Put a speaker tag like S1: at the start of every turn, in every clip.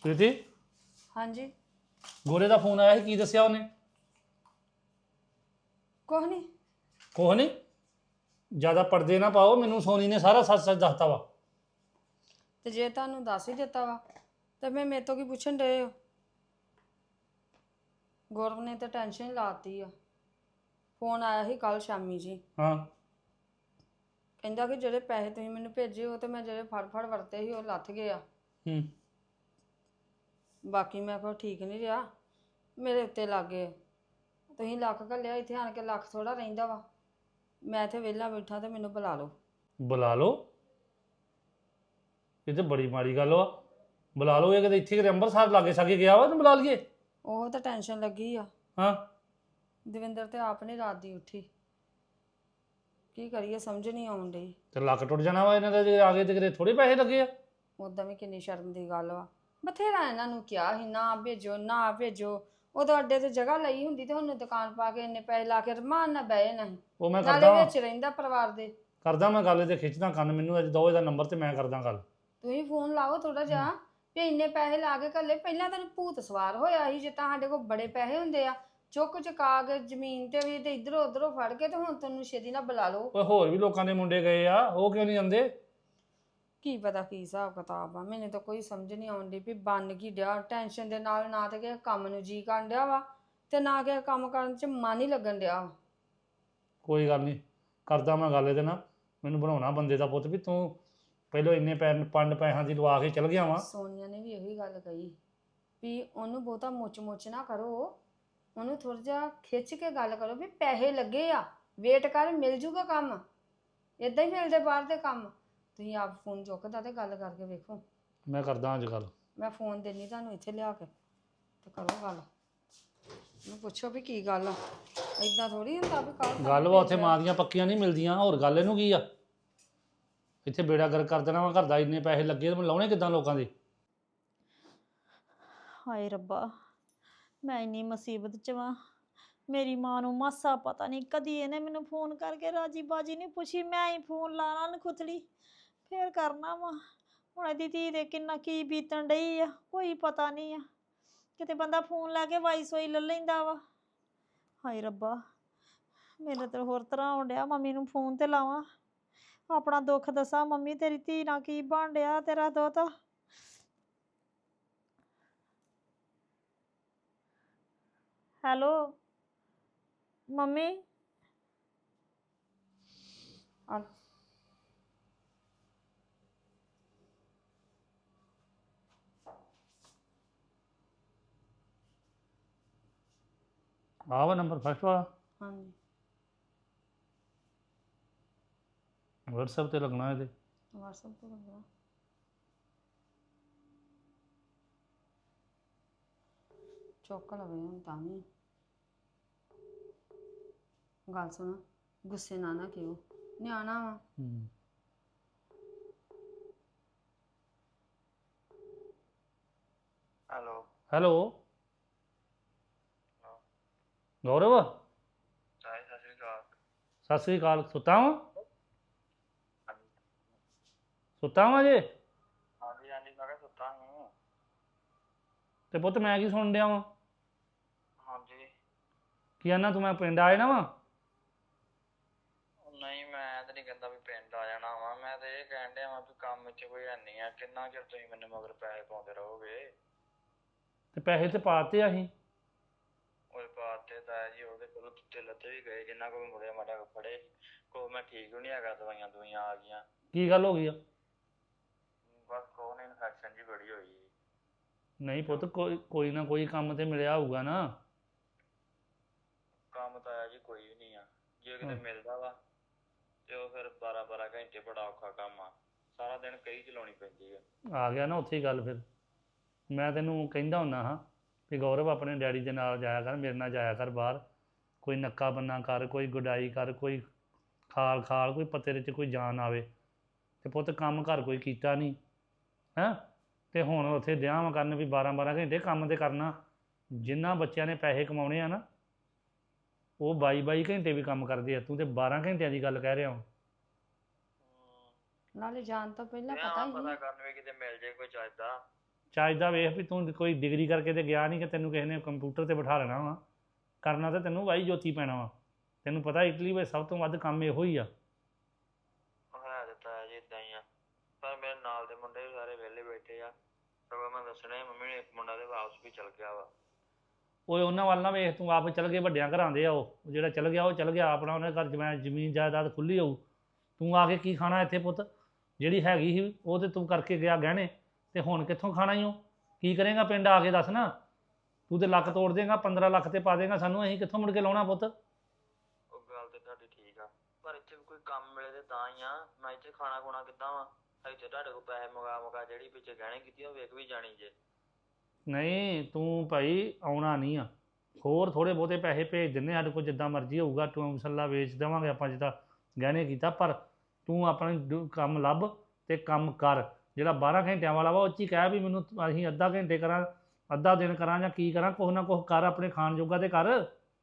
S1: ਪ੍ਰੀਤੀ
S2: ਹਾਂਜੀ
S1: ਗੋਰੇ ਦਾ ਫੋਨ ਆਇਆ ਸੀ ਕੀ ਦੱਸਿਆ ਉਹਨੇ
S2: ਕੁਛ ਨਹੀਂ।
S1: ਕੁਛ ਨਹੀਂ ਜ਼ਿਆਦਾ ਪਰਦੇ ਨਾ ਪਾਓ ਮੈਨੂੰ ਸੋਨੀ ਨੇ ਸਾਰਾ ਸੱਚ ਸੱਚ ਦੱਸਤਾ ਵਾ
S2: ਤੇ ਜੇ ਤੁਹਾਨੂੰ ਦੱਸ ਹੀ ਦਿੱਤਾ ਵਾ ਤੇ ਮੈਂ ਮੇਰੇ ਤੋਂ ਕੀ ਪੁੱਛਣ ਡਏ ਹੋ? ਗੌਰਵ ਨੇ ਤਾਂ ਟੈਨਸ਼ਨ ਹੀ ਲਾਤੀ ਆ। ਫੋਨ ਆਇਆ ਸੀ ਕੱਲ ਸ਼ਾਮੀ ਜੀ,
S1: ਹਾਂ
S2: ਕਹਿੰਦਾ ਕਿ ਜਿਹੜੇ ਪੈਸੇ ਤੁਸੀਂ ਮੈਨੂੰ ਭੇਜੇ ਉਹ ਤੇ ਮੈਂ ਜਿਹੜੇ ਫੜ ਵਰਤੇ ਸੀ ਉਹ ਲੱਥ ਗਏ ਆ।
S1: ਹੂੰ
S2: ਬਾਕੀ ਮੈਂ ਕੋਈ ਠੀਕ ਨਹੀਂ ਰਿਹਾ, ਮੇਰੇ ਉੱਤੇ ਲੱਗ ਗਏ। ਤੁਸੀਂ ਲੱਖ ਘੱਲਿਆ, ਇੱਥੇ ਆਣ ਕੇ ਲੱਖ ਥੋੜਾ ਰਹਿੰਦਾ ਵਾ। ਮੈਂ ਇੱਥੇ ਵਿਹਲਾ ਬੈਠਾ ਤੇ ਮੈਨੂੰ ਬੁਲਾ ਲਓ।
S1: ਬੁਲਾ ਲਓ ਇਹ ਤੇ ਬੜੀ ਮਾੜੀ ਗੱਲ ਵਾ ਬੁਲਾ ਲਓ ਇਹ ਕਿਤੇ ਇੱਥੇ ਕਿਤੇ ਅੰਮ੍ਰਿਤਸਰ ਲਾਗੇ ਸਾਗੇ ਗਿਆ ਵਾ ਤੂੰ ਬੁਲਾ ਲਈਏ
S2: ਉਹ ਤਾਂ ਟੈਨਸ਼ਨ ਲੱਗੀ ਆ।
S1: ਹਾਂ
S2: ਦਵਿੰਦਰ ਤੇ ਆਪ ਨਹੀਂ ਰਾਤ ਦੀ ਉੱਠੀ, ਕੀ ਕਰੀਏ ਸਮਝ ਨਹੀਂ ਆਉਣ ਡਈ।
S1: ਤੇ ਲੱਕ ਟੁੱਟ ਜਾਣਾ ਵਾ ਇਹਨਾਂ ਦਾ ਜੇ ਆ ਗਏ ਤੇ ਕਿਤੇ ਥੋੜੇ ਪੈਸੇ ਲੱਗੇ ਆ
S2: ਉਦਾਂ ਵੀ ਕਿੰਨੀ ਸ਼ਰਮ ਦੀ ਗੱਲ ਵਾ। ਬਥੇਰਾ ਇਹਨਾਂ ਨੂੰ ਕਿਹਾ ਸੀ ਨਾ ਭੇਜੋ ਨਾ ਭੇਜੋ। ਉਦੋਂ ਅੱਡੇ ਤੇ ਜਗ੍ਹਾ ਲਈ ਹੁੰਦੀ ਤੇ ਉਹਨੂੰ ਦੁਕਾਨ ਪਾ ਕੇ ਇੰਨੇ ਪੈਸੇ ਲਾ ਕੇ ਰਮਾਨ ਨਾਲ ਬਹਿ ਨਹੀਂ
S1: ਉਹ ਮੈਂ
S2: ਨਾਲੇ
S1: ਕਰਦਾ
S2: ਵਿੱਚ ਰਹਿੰਦਾ ਪਰਿਵਾਰ ਦੇ।
S1: ਕਰਦਾ ਮੈਂ ਗੱਲ ਤੇ ਖਿੱਚਦਾ ਕੰਨ ਮੈਨੂੰ ਅੱਜ ਦੋ ਇਹਦਾ ਨੰਬਰ ਤੇ ਮੈਂ ਕਰਦਾ ਗੱਲ
S2: ਤੁਸੀਂ ਫੋਨ ਲਾਓ ਥੋੜਾ ਜਿਹਾ ਵੀ ਇੰਨੇ ਪੈਸੇ ਲਾ ਕੇ ਘੱਲੇ। ਪਹਿਲਾਂ ਤੈਨੂੰ ਭੂਤ ਸਵਾਰ ਹੋਇਆ ਸੀ ਜੇ ਤਾਂ ਸਾਡੇ ਕੋਲ ਬੜੇ ਪੈਸੇ ਹੁੰਦੇ ਆ ਚੁੱਕ ਚੁਕਾ ਕੇ ਜ਼ਮੀਨ ਤੇ ਵੀ ਤੇ ਇਧਰੋਂ ਉਧਰੋਂ ਫੜ ਕੇ ਤੇ ਹੁਣ ਤੈਨੂੰ ਛੇਤੀ ਨਾਲ ਬੁਲਾ ਲਓ।
S1: ਓਏ ਹੋਰ ਵੀ ਲੋਕਾਂ ਦੇ ਮੁੰਡੇ ਗਏ ਆ ਉਹ ਕਿਉਂ ਨਹੀਂ ਜਾਂਦੇ
S2: ਕੀ ਪਤਾ ਕੀ ਹਿਸਾਬ ਕਿਤਾਬ ਆ, ਮੈਨੂੰ ਤਾਂ ਕੋਈ ਸਮਝ ਨਹੀਂ ਆਉਂਦੀ ਵੀ ਬਣ ਕੀ ਡਿਆ। ਟੈਨਸ਼ਨ ਦੇ ਨਾਲ ਨਾ ਤੇ ਕਿਸੇ ਕੰਮ ਨੂੰ ਜੀ ਕਰਨ ਡਿਆ ਵਾ ਤੇ ਨਾ ਕਿਸੇ ਕੰਮ ਕਰਨ 'ਚ ਮਨ ਹੀ ਲੱਗਣ ਡਿਆ ਵਾ।
S1: ਕੋਈ ਗੱਲ ਨਹੀਂ ਕਰਦਾ ਮੈਂ ਗੱਲ ਇਹਦੇ ਨਾਲ ਮੈਨੂੰ ਬਣਾਉਣਾ ਬੰਦੇ ਦਾ ਪੁੱਤ ਵੀ ਤੂੰ ਪਹਿਲਾਂ ਇੰਨੇ ਪੰਜ ਪੈਸਿਆਂ ਦੀ ਲਵਾ ਕੇ ਚਲ ਗਿਆ ਵਾਂ।
S2: ਸੋਨੀਆ ਨੇ ਵੀ ਇਹੀ ਗੱਲ ਕਹੀ ਵੀ ਉਹਨੂੰ ਬਹੁਤਾ ਮੁੱਚ ਨਾ ਕਰੋ, ਉਹਨੂੰ ਥੋੜਾ ਜਿਹਾ ਖਿੱਚ ਕੇ ਗੱਲ ਕਰੋ ਵੀ ਪੈਸੇ ਲੱਗੇ ਆ, ਵੇਟ ਕਰ ਮਿਲ ਜੂਗਾ ਕੰਮ। ਇਦਾਂ ਹੀ ਮਿਲਦੇ ਬਾਹਰ ਦੇ ਕੰਮ। ਤੁਸੀਂ ਆਪ ਫੋਨ ਚੁੱਕਦਾ ਤੇ ਗੱਲ ਕਰਕੇ ਵੇਖੋ।
S1: ਮੈਂ ਕਰਦਾ ਅੱਜ ਗੱਲ
S2: ਮੈਂ ਫੋਨ ਦੇਣੀ ਤੁਹਾਨੂੰ ਇੱਥੇ ਲਿਆ ਕੇ ਤੇ ਕਰੋ ਗੱਲ। ਮੈਂ ਪੁੱਛੋ ਵੀ ਕੀ ਗੱਲ ਆ, ਇਦਾਂ ਥੋੜੀ ਹੁੰਦਾ ਵੀ ਕੱਲ
S1: ਗੱਲ ਵਾ ਉੱਥੇ ਮਾਂ ਦੀਆਂ ਪੱਕੀਆਂ ਨਹੀਂ ਮਿਲਦੀਆਂ ਹੋਰ ਗੱਲ ਇਹਨੂੰ ਕੀ ਆ ਇੱਥੇ ਬੇੜਾ ਗਰਕ ਕਰ ਦੇਣਾ ਵਾ ਘਰ ਦਾ ਇੰਨੇ ਪੈਸੇ ਲੱਗੇ ਤੇ ਮੈਂ ਲਾਉਣੇ ਕਿੱਦਾਂ ਲੋਕਾਂ ਦੇ।
S3: ਹਾਏ ਰੱਬਾ ਮੈਂ ਇੰਨੀ ਮੁਸੀਬਤ 'ਚ ਵਾਂ। ਮੇਰੀ ਮਾਂ ਨੂੰ ਮਾਸਾ ਪਤਾ ਨਹੀਂ ਕਦੀ ਇਹਨੇ ਮੈਨੂੰ ਫੋਨ ਕਰਕੇ ਰਾਜੀ ਬਾਜੀ ਨਹੀਂ ਪੁੱਛੀ। ਮੈਂ ਹੀ ਫੋਨ ਲਾਣਾ ਨਖੁੱਤਲੀ ਫੇਰ ਕਰਨਾ ਵਾ। ਹੁਣ ਇਹਦੀ ਧੀ ਦੇ ਕਿੰਨਾ ਕੀ ਬੀਤਣ ਡਈ ਆ ਕੋਈ ਪਤਾ ਨਹੀਂ ਆ। ਕਿਤੇ ਬੰਦਾ ਫੋਨ ਲਾ ਕੇ ਵਾਈਸ ਹੋਈ ਲੈ ਲੈਂਦਾ ਵਾ। ਹਾਏ ਰੱਬਾ ਮੇਰੇ ਤਾਂ ਹੋਰ ਤਰ੍ਹਾਂ ਆਉਣ ਡਿਆ। ਮੰਮੀ ਨੂੰ ਫੋਨ ਤੇ ਲਾਵਾਂ ਆਪਣਾ ਦੁੱਖ ਦੱਸਾਂ, ਮੰਮੀ ਤੇਰੀ ਧੀ ਨਾਲ ਕੀ ਬਣ ਡਿਆ ਤੇਰਾ ਦੋਤਾ। ਹੈਲੋ ਮੰਮੀ
S2: ਆ
S1: ਆਹ ਵਾ ਨੰਬਰ ਫਸਟ ਵਾਲਾ
S2: ਹਾਂਜੀ
S1: WhatsApp ਤੇ ਲੱਗਣਾ ਇਹਦੇ।
S2: WhatsApp ਤੇ ਲੱਗਣਾ। ਚੁੱਕ ਲਵੇ ਹੁਣ ਤਾਂ ਵੀ ਗੱਲ ਸੁਣ, ਗੁੱਸੇ ਨਾ ਕਿਉਂ, ਨਿਆਣਾ ਵਾ।
S4: ਹੈਲੋ
S1: ਹੈਲੋ ਗੌਰਵ
S4: ਸਾਹਿਲ ਸਤਿ ਸ਼੍ਰੀ ਅਕਾਲ।
S1: ਸਤਿ ਸ੍ਰੀ ਅਕਾਲ ਸੁੱਤਾ ਵਾਂ
S4: ਹਾਂਜੀ
S1: ਸੁੱਤਾ ਵਾਂ ਜੇ
S4: ਹਾਂਜੀ ਹਾਂਜੀ ਮੈਂ ਕਿਹਾ ਸੁੱਤਾ ਨੂੰ।
S1: ਤੇ ਪੁੱਤ ਮੈਂ ਕੀ ਸੁਣ ਡਿਆ ਵਾਂ
S4: ਹਾਂਜੀ
S1: ਕੀ ਆਨਾ ਤੂੰ ਮੈਂ ਪਿੰਡ ਆ ਜਾਣਾ ਵਾਂ।
S4: ਨਹੀਂ ਮੈਂ ਤਾਂ ਨਹੀਂ ਕਹਿੰਦਾ ਵੀ ਪਿੰਡ ਆ ਜਾਣਾ ਵਾ। ਮੈਂ ਤਾਂ ਇਹ ਕਹਿਣ ਡਿਆ ਵਾਂ ਵੀ ਕੰਮ 'ਚ ਕੋਈ ਹੈ ਨਹੀਂ ਆ। ਕਿੰਨਾ ਚਿਰ ਤੁਸੀਂ ਮੈਨੂੰ ਮਗਰ ਪੈਸੇ ਪਾਉਂਦੇ ਰਹੋਗੇ।
S1: ਤੇ ਪੈਸੇ ਤੇ ਪਾਤੇ ਅਸੀਂ
S4: ਉਹ ਬਾਤ ਤੇ ਤਾਂ ਜੀ ਉਹਦੇ ਕੋਲ ਤੁੱਤੇ ਲੱਤੇ ਵੀ ਗਏ ਜਿੰਨਾ ਕੋਲ ਮੁੜਿਆ ਮਾੜਾ ਕੋ ਫੜੇ ਕੋ ਮੈਂ ਠੀਕ ਵੀ ਨਹੀਂ ਹੈਗਾ। ਦਵਾਈਆਂ ਦਵਾਈਆਂ ਆ ਗਈਆਂ।
S1: ਕੀ ਗੱਲ ਹੋ ਗਈ ਆ।
S4: ਬਸ ਕੋਹ ਨੇ ਇਨਫੈਕਸ਼ਨ ਜੀ ਬੜੀ ਹੋਈ।
S1: ਨਹੀਂ ਪੁੱਤ ਕੋਈ ਨਾ ਕੋਈ ਕੰਮ ਤੇ ਮਿਲਿਆ ਹੋਊਗਾ ਨਾ।
S4: ਕੰਮ ਤਾਂ ਆਇਆ ਜੀ ਕੋਈ ਵੀ ਨਹੀਂ ਆ। ਜੇ ਕਿਤੇ ਮਿਲਦਾ ਵਾ ਤੇ ਉਹ ਫਿਰ 12 ਘੰਟੇ ਬੜਾ ਔਖਾ ਕੰਮ ਆ। ਸਾਰਾ ਦਿਨ ਕਈ ਚਲਾਉਣੀ ਪੈਂਦੀ ਆ
S1: ਗਿਆ ਨਾ ਉੱਥੇ ਹੀ ਗੱਲ। ਫਿਰ ਮੈਂ ਤੈਨੂੰ ਕਹਿੰਦਾ ਹੁੰਦਾ ਹਾਂ ਵੀ ਗੌਰਵ ਆਪਣੇ ਡੈਡੀ ਦੇ ਨਾਲ ਜਾਇਆ ਕਰ, ਮੇਰੇ ਨਾਲ ਜਾਇਆ ਕਰ ਬਾਹਰ। ਕੋਈ ਨੱਕਾ ਬੰਨਾ ਕਰ, ਕੋਈ ਗੁਡਾਈ ਕਰ, ਕੋਈ ਖਾਲ ਕੋਈ ਪੱਤੇ ਦੇ 'ਚ ਕੋਈ ਜਾਨ ਆਵੇ। ਤੇ ਪੁੱਤ ਕੰਮ ਘਰ ਕੋਈ ਕੀਤਾ ਨਹੀਂ ਹੈਂ ਤੇ ਹੁਣ ਉੱਥੇ ਦਿਆਂ ਕਰਨ ਵੀ 12 ਘੰਟੇ ਕੰਮ ਤੇ ਕਰਨਾ। ਜਿਨ੍ਹਾਂ ਬੱਚਿਆਂ ਨੇ ਪੈਸੇ ਕਮਾਉਣੇ ਆ ਨਾ ਉਹ 22 ਘੰਟੇ ਵੀ ਕੰਮ ਕਰਦੇ ਆ। ਤੂੰ ਤੇ 12 ਘੰਟਿਆਂ ਦੀ ਗੱਲ ਕਹਿ ਰਿਹਾ ਹਾਂ।
S2: ਨਾਲੇ ਜਾਣ ਤੋਂ ਪਹਿਲਾਂ ਪਤਾ ਹੀ
S4: ਪਤਾ ਕਰਨ ਵੀ ਕਿਤੇ ਮਿਲ ਜੇ ਕੋਈ ਚੱਜਦਾ।
S1: ਚੱਜ ਦਾ ਵੇਖ ਵੀ ਤੂੰ ਕੋਈ ਡਿਗਰੀ ਕਰਕੇ ਤੇ ਗਿਆ ਨਹੀਂ ਕਿ ਤੈਨੂੰ ਕਿਸੇ ਨੇ ਕੰਪਿਊਟਰ ਤੇ ਬਿਠਾ ਲੈਣਾ ਵਾ। ਕਰਨਾ ਤੇ ਤੈਨੂੰ ਵਾਈ ਜੋਤੀ ਪੈਣਾ ਵਾ। ਤੈਨੂੰ ਪਤਾ ਇਟਲੀ ਵਿੱਚ ਸਭ ਤੋਂ ਵੱਧ ਕੰਮ ਇਹੋ ਹੀ ਆ।
S4: ਹੈ ਤੇ ਤਾਇਆ ਜੀ ਏਦਾਂ ਹੀ ਆ, ਪਰ ਮੇਰੇ ਨਾਲ ਦੇ ਮੁੰਡੇ ਵੀ ਸਾਰੇ ਵਿਹਲੇ ਬੈਠੇ ਆ। ਸਗੋਂ ਮੈਂ ਦੱਸਣਾ ਸੀ ਮੰਮੀ ਨੂੰ, ਇੱਕ ਮੁੰਡਾ ਤੇ ਵਾਪਸ ਵੀ ਚਲ ਗਿਆ ਵਾ।
S1: ਓਏ ਉਹਨਾਂ ਵੱਲ ਨਾ ਵੇਖ, ਤੂੰ ਆਪ ਚੱਲ ਗਏ ਵੱਡਿਆਂ ਘਰਾਂ ਦੇ ਆ। ਉਹ ਜਿਹੜਾ ਚੱਲ ਗਿਆ ਉਹ ਚੱਲ ਗਿਆ ਆਪਣਾ, ਉਹਨੇ ਘਰ ਜ਼ਮੀਨ ਜਾਇਦਾਦ ਖੁੱਲੀ ਹੋਊ। ਤੂੰ ਆ ਕੇ ਕੀ ਖਾਣਾ ਇੱਥੇ ਪੁੱਤ? ਜਿਹੜੀ ਹੈਗੀ ਸੀ ਉਹ ਤੇ ਤੂੰ ਕਰਕੇ ਗਿਆ ਗਹਿਣੇ, ਤੇ ਹੁਣ ਕਿੱਥੋਂ ਖਾਣਾ ਹੀ ਉਹ? ਕੀ ਕਰੇਗਾ ਪਿੰਡ ਆ ਕੇ ਦੱਸ ਨਾ। ਤੂੰ ਤੇ ਲੱਕ ਤੋੜ ਦੇਗਾ, 15 ਲੱਖ ਤੇ ਪਾ ਦੇਗਾ ਸਾਨੂੰ, ਅਸੀਂ ਕਿੱਥੋਂ ਮੁੜ ਕੇ ਲਾਉਣਾ ਪੁੱਤ?
S4: ਉਹ ਗੱਲ ਤੇ ਤੁਹਾਡੀ ਠੀਕ ਆ, ਪਰ ਇੱਥੇ ਵੀ ਕੋਈ ਕੰਮ ਮਿਲੇ ਤੇ ਤਾਂ ਹੀ ਆ। ਮੈਂ ਇੱਥੇ ਖਾਣਾ ਖੁਣਾ ਕਿੱਦਾਂ ਵਾ? ਇੱਥੇ ਤੁਹਾਡੇ ਕੋਲ ਪੈਸੇ ਮੁਕਾ ਜਿਹੜੀ ਪਿੱਛੇ ਗਹਿਣੇ ਕੀਤੀ ਉਹ ਵੇਖ ਵੀ ਜਾਣੀ ਜੇ।
S1: ਨਹੀਂ ਤੂੰ ਭਾਈ ਆਉਣਾ ਨਹੀਂ ਆ, ਹੋਰ ਥੋੜ੍ਹੇ ਬਹੁਤੇ ਪੈਸੇ ਭੇਜ ਦਿੰਦੇ ਸਾਡੇ ਕੋਲ, ਜਿੱਦਾਂ ਮਰਜ਼ੀ ਹੋਊਗਾ। ਤੂੰ ਮਸੱਲਾ ਵੇਚ ਦੇਵਾਂਗੇ ਆਪਾਂ ਜਿੱਦਾਂ ਗਹਿਣੇ ਕੀਤਾ, ਪਰ ਤੂੰ ਆਪਣਾ ਕੰਮ ਲੱਭ ਤੇ ਕੰਮ ਕਰ। ਜਿਹੜਾ 12 ਘੰਟਿਆਂ ਵਾਲਾ ਵਾ ਉਹ 'ਚ ਹੀ ਕਹਿ ਵੀ ਮੈਨੂੰ ਅਸੀਂ ਅੱਧਾ ਘੰਟੇ ਕਰਾਂ, ਅੱਧਾ ਦਿਨ ਕਰਾਂ, ਜਾਂ ਕੀ ਕਰਾਂ, ਕੁਛ ਨਾ ਕੁਛ ਕਰ, ਆਪਣੇ ਖਾਣ ਜੋਗਾ ਤੇ ਕਰ।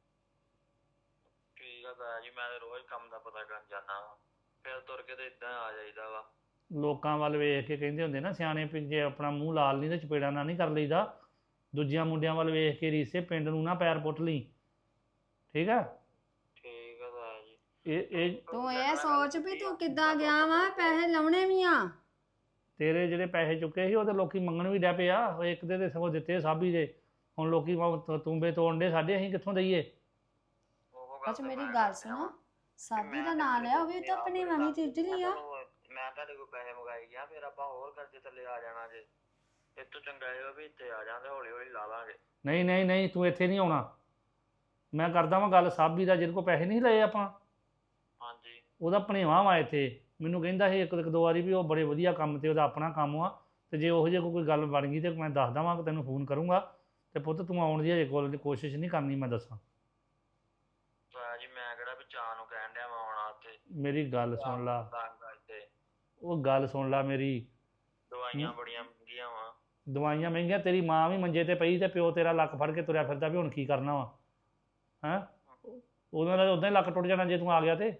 S4: ਠੀਕ ਆ ਤਾਇਆ ਜੀ, ਮੈਂ ਤੇ ਰੋਜ਼ ਕੰਮ ਦਾ ਪਤਾ ਕਰਨ ਜਾਂਦਾ ਵਾ, ਫਿਰ ਤੁਰ ਕੇ ਤੇ ਇਦਾਂ ਆ ਜਾਈਦਾ ਵਾ।
S1: ਲੋਕਾਂ ਵੱਲ ਵੇਖ ਕੇ ਕਹਿੰਦੇ ਹੁੰਦੇ ਨਾ ਸਿਆਣੇ, ਵੀ ਜੇ ਆਪਣਾ ਮੂੰਹ ਲਾਲ ਨਹੀਂ ਤੇ ਚਪੇੜਾ ਨਾ ਨਹੀਂ ਕਰ ਲਈਦਾ। ਦੂਜਿਆਂ ਮੁੰਡਿਆਂ ਵੱਲ ਵੇਖ ਕੇ ਰੀਸੇ ਪਿੰਡ ਨੂੰ ਨਾ ਪੈਰ ਪੁੱਟ ਲਈ, ਠੀਕ ਆ?
S4: ਠੀਕ ਆ ਤਾਇਆ ਜੀ।
S1: ਇਹ
S2: ਤੂੰ ਇਹ ਸੋਚ ਵੀ ਤੂੰ ਕਿੱਦਾਂ ਗਿਆ ਵਾ, ਪੈਸੇ ਲਾਉਣੇ ਵੀ ਆ।
S1: ਤੇਰੇ ਜਿਹੜੇ ਪੈਸੇ ਚੁੱਕੇ ਸੀ ਉਹ ਤੇ ਲੋਕੀ ਮੰਗਣ ਵੀ ਡੈ ਪਏ ਆ। ਉਹ ਇੱਕ ਦੇ ਸਗੋਂ ਦਿੱਤੇ ਸਾਬੀ ਦੇ, ਹੁਣ ਲੋਕੀ ਤੂੰਬੇ ਤੋੜਨ ਦੇ ਸਾਡੇ, ਅਸੀਂ ਕਿੱਥੋਂ ਦਈਏ?
S2: ਅੱਛਾ ਮੇਰੀ ਗੱਲ ਸੁਣੋ, ਸਾਬੀ ਦਾ ਨਾਂ ਲਿਆ ਹੋਵੇ ਤਾਂ ਆਪਣੀ ਮੰਮੀ ਤੇ ਇਟਲੀ ਆ।
S4: ਮੈਂ ਤੁਹਾਡੇ ਕੋਲ ਪੈਸੇ ਮੰਗਾਈ ਗਿਆ, ਫਿਰ ਆਪਾਂ ਹੋਰ ਕਰਜ਼ੇ ਥੱਲੇ ਆ ਜਾਣਾ ਜੇ। ਇਹ ਤੋਂ ਚੰਗਾ ਇਹ ਵੀ ਇੱਥੇ ਆ ਜਾਂਦੇ, ਹੌਲੀ ਹੌਲੀ ਲਾ ਲਾਂਗੇ।
S1: ਨਹੀਂ ਨਹੀਂ ਨਹੀਂ, ਤੂੰ ਇੱਥੇ ਨਹੀਂ ਆਉਣਾ। ਮੈਂ ਕਰਦਾ ਵਾਂ ਗੱਲ ਸਾਬੀ ਦਾ, ਜਿਹਦੇ ਕੋਲ ਪੈਸੇ ਨਹੀਂ ਲਏ ਆਪਾਂ।
S4: ਹਾਂਜੀ।
S1: ਉਹਦਾ ਭਣੇਵਾਂ ਵਾ ਇੱਥੇ, ਮੈਨੂੰ ਕਹਿੰਦਾ ਸੀ ਇੱਕ ਦੋ ਵਾਰੀ ਵੀ ਉਹ ਬੜੇ ਵਧੀਆ ਕੰਮ ਤੇ ਉਹਦਾ ਆਪਣਾ ਕੰਮ ਆ, ਤੇ ਜੇ ਉਹੋ ਜਿਹੀ ਕੋਈ ਗੱਲ ਬਣ ਗਈ ਤੇ ਮੈਂ ਦੱਸ ਦੇਵਾਂ ਕਿ ਤੈਨੂੰ ਫੋਨ ਕਰੂੰਗਾ। ਤੇ ਪੁੱਤ ਤੂੰ ਆਉਣ ਦੀ ਹਜੇ ਕੋਸ਼ਿਸ਼ ਨਹੀਂ ਕਰਨੀ, ਮੈਂ ਦੱਸਾਂ।
S4: ਤਾਇਆ ਜੀ ਮੈਂ ਕਿਹੜਾ ਵੀ ਚਾਹ ਨੂੰ ਕਹਿਣ ਡਿਆ ਵਾ ਆਉਣਾ ਉੱਥੇ।
S1: ਮੇਰੀ ਗੱਲ ਸੁਣ ਲਾ,
S4: ਇੱਥੇ
S1: ਉਹ ਗੱਲ ਸੁਣ ਲਾ ਮੇਰੀ।
S4: ਦਵਾਈਆਂ ਬੜੀਆਂ ਮਹਿੰਗੀਆਂ ਵਾ।
S1: ਦਵਾਈਆਂ ਮਹਿੰਗੀਆਂ, ਤੇਰੀ ਮਾਂ ਵੀ ਮੰਜੇ ਤੇ ਪਈ ਤੇ ਪਿਓ ਤੇਰਾ ਲੱਕ ਫੜ ਕੇ ਤੁਰਿਆ ਫਿਰਦਾ ਵੀ ਹੁਣ ਕੀ ਕਰਨਾ ਵਾ। ਹੈਂ, ਉਹਨਾਂ ਦਾ ਉਦਾਂ ਹੀ ਲੱਕ ਟੁੱਟ ਜਾਣਾ ਜੇ ਤੂੰ ਆ ਗਿਆ ਤੇ।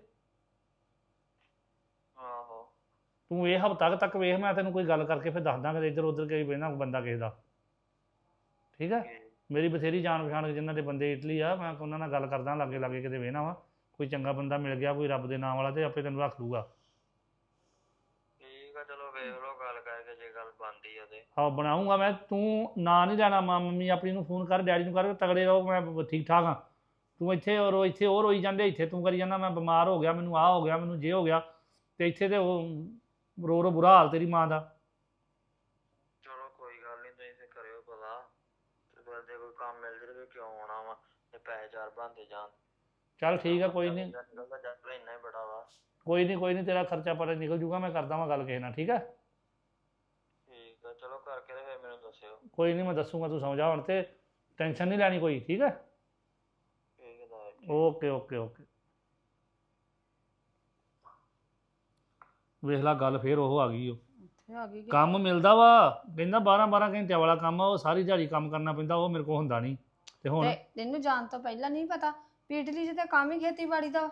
S4: ਆਹੋ।
S1: ਤੂੰ ਇਹ ਹਫ਼ਤਾ ਤੱਕ ਵੇਖ, ਮੈਂ ਤੈਨੂੰ ਕੋਈ ਗੱਲ ਕਰਕੇ ਫਿਰ ਦੱਸ ਦਾਂਗਾ ਇੱਧਰ ਉੱਧਰ ਕਈ ਬਹਿਣਾ ਬੰਦਾ ਕਿਸੇ ਦਾ, ਠੀਕ ਹੈ? ਮੇਰੀ ਬਥੇਰੀ ਜਾਣ ਪਛਾਣ ਜਿਨ੍ਹਾਂ ਦੇ ਬੰਦੇ ਇਟਲੀ ਆ, ਮੈਂ ਉਹਨਾਂ ਨਾਲ ਗੱਲ ਕਰਦਾ ਲਾਗੇ ਲਾਗੇ ਕਿਤੇ ਵੇਹਣਾ ਵਾ, ਕੋਈ ਚੰਗਾ ਬੰਦਾ ਮਿਲ ਗਿਆ ਕੋਈ ਰੱਬ ਦੇ ਨਾਮ ਵਾਲਾ ਤੇ ਆਪੇ ਤੈਨੂੰ ਰੱਖ ਲੂਗਾ।
S4: ਠੀਕ ਆ, ਚਲੋ ਵੇਖ ਲਓ ਗੱਲ ਕਰਕੇ, ਜੇ ਗੱਲ ਬਣਦੀ ਆ ਤੇ।
S1: ਆਹ ਬਣਾਉਂਗਾ ਮੈਂ, ਤੂੰ ਨਾਂ ਨਹੀਂ ਲੈਣਾ। ਮੰਮੀ ਆਪਣੀ ਨੂੰ ਫੋਨ ਕਰ, ਡੈਡੀ ਨੂੰ ਕਰ, ਤਗੜੇ ਰਹੋ, ਮੈਂ ਠੀਕ ਠਾਕ ਹਾਂ। ਤੂੰ ਇੱਥੇ ਉਹ ਰੋਈ ਜਾਂਦੇ, ਇੱਥੇ ਤੂੰ ਕਰੀ ਜਾਂਦਾ ਮੈਂ ਬਿਮਾਰ ਹੋ ਗਿਆ, ਮੈਨੂੰ ਆਹ ਹੋ ਗਿਆ, ਮੈਨੂੰ ਜੇ ਹੋ ਗਿਆ, ਤੇ ਇੱਥੇ ਤੇ ਉਹ ਰੋ ਰੋ ਬੁਰਾ ਹਾਲ ਤੇਰੀ ਮਾਂ ਦਾ।
S4: ਚਲੋ ਕੋਈ ਗੱਲ ਨਹੀਂ, ਤੁਸੀਂ ਤੇ ਕਰਿਓ ਪਤਾ, ਤੇ ਫਿਰ ਜੇ ਕੋਈ ਕੰਮ ਮਿਲ ਜਾਵੇ ਕਿਉਂ ਆਉਣਾ ਵਾ, ਤੇ ਪੈਸੇ ਚਾਰ ਬਣਦੇ ਜਾਣ।
S1: ਚੱਲ ਠੀਕ ਆ, ਕੋਈ ਨਹੀਂ
S4: ਨਿਕਲਦਾ ਜੱਟ ਇੰਨਾ ਹੀ ਬੜਾ ਵਾ।
S1: ਕੋਈ ਨਹੀਂ ਤੇਰਾ ਖਰਚਾ ਪਰ ਨਿਕਲ ਜੂਗਾ, ਮੈਂ ਕਰਦਾ ਵਾਂ ਗੱਲ ਕਿਸੇ ਨਾਲ, ਠੀਕ ਹੈ?
S4: ਠੀਕ ਆ, ਚਲੋ ਕਰਕੇ ਤੇ ਫਿਰ ਮੈਨੂੰ ਦੱਸਿਓ।
S1: ਕੋਈ ਨਹੀਂ ਮੈਂ ਦੱਸੂਗਾ, ਤੂੰ ਸਮਝਾ ਹੁਣ, ਤੇ ਟੈਨਸ਼ਨ ਨਹੀਂ ਲੈਣੀ ਕੋਈ, ਠੀਕ ਹੈ?
S4: ਠੀਕ ਹੈ ਤਾਇਆ ਜੀ।
S1: Okay okay okay. ਵੇਖ ਲਾ ਗੱਲ ਫੇਰ ਉਹ ਆ ਗਈ। ਉਹ
S2: ਇੱਥੇ ਆ ਗਈ
S1: ਕੰਮ ਮਿਲਦਾ ਵਾ, ਕਹਿੰਦਾ 12 ਘੰਟਿਆਂ ਵਾਲਾ ਕੰਮ ਆ, ਉਹ ਸਾਰੀ ਦਿਹਾੜੀ ਕੰਮ ਕਰਨਾ ਪੈਂਦਾ, ਉਹ ਮੇਰੇ ਕੋਲ ਹੁੰਦਾ ਨਹੀਂ। ਤੇ ਹੁਣ
S2: ਤੇ ਤੈਨੂੰ ਜਾਣ ਤੋਂ ਪਹਿਲਾਂ ਨਹੀਂ ਪਤਾ ਵੀ ਇਟਲੀ 'ਚ ਤਾਂ ਕੰਮ ਹੀ ਖੇਤੀਬਾੜੀ ਦਾ